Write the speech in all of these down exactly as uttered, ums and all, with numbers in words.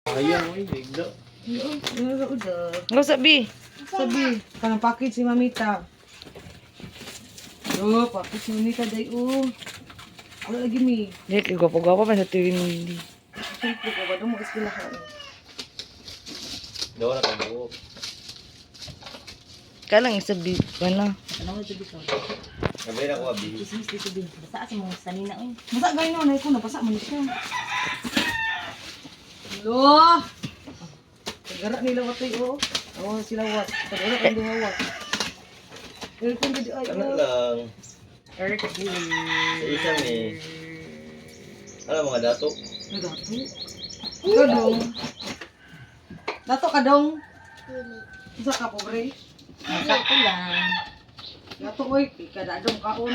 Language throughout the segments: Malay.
Ayaw, uy, bigla. Nga sabi. Sabi, kanang package si Mamita. Yo, package si Mamita day oh. Wala lagi mi. Hindi, kay gwapo-gwapo pa sa Trinity. Siyempre ko ba doon mag-eskwela ka. Daw na pag-uop. Kaya lang isabi. Wala. Ano mo ito dito? Sabi na ko, abi. Chismis dito din. Basta kasi mong sanina eh. Basa gay no, nay ko nabasa man siya. Lo. Tagara nila watay oh. Oh, sila wat. Tagara ang duha wat. Pero kung di ay Ano oh. lang. Eric Sa isa may. Ano mga dato? Dato. Kadong. Dato kadong. Isa ka pobre. Masakto lang. Dato oy, kada dong kaon.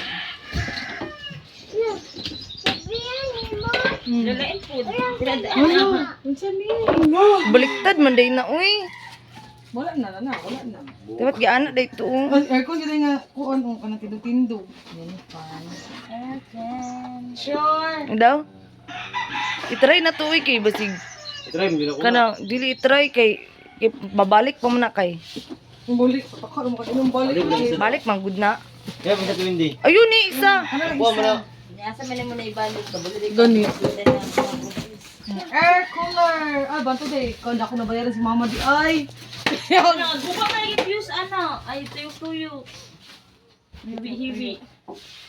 Lalain po. Pinadaan Ano? na. Unsa ni? Baliktad man day na, uy. Wala na na, wala na. Dapat giana day to. Ang aircon kita nga kuon oh kanang tindog-tindog. Yan pan. Aircon. Sure. Ang daw? I-try na to, uy, kay basig. Itry mo din ako. Kana, dili i-try kay, kay babalik pa man na kay. Ang balik, patakar mo ka inong balik. Balik, balik. Balik man good na. Kaya mo sa tuwindi. Ayun ni isa. Ano lang Buwan mo na. isa? Asa man mo na ibalik. Kabalik. Gani. Ganit. Air cooler. Ay, banto day. Kanda ako nabayaran si mama di ay. Buka na yung fuse, ano? Ay, tuyo-tuyo. Hibi-hibi.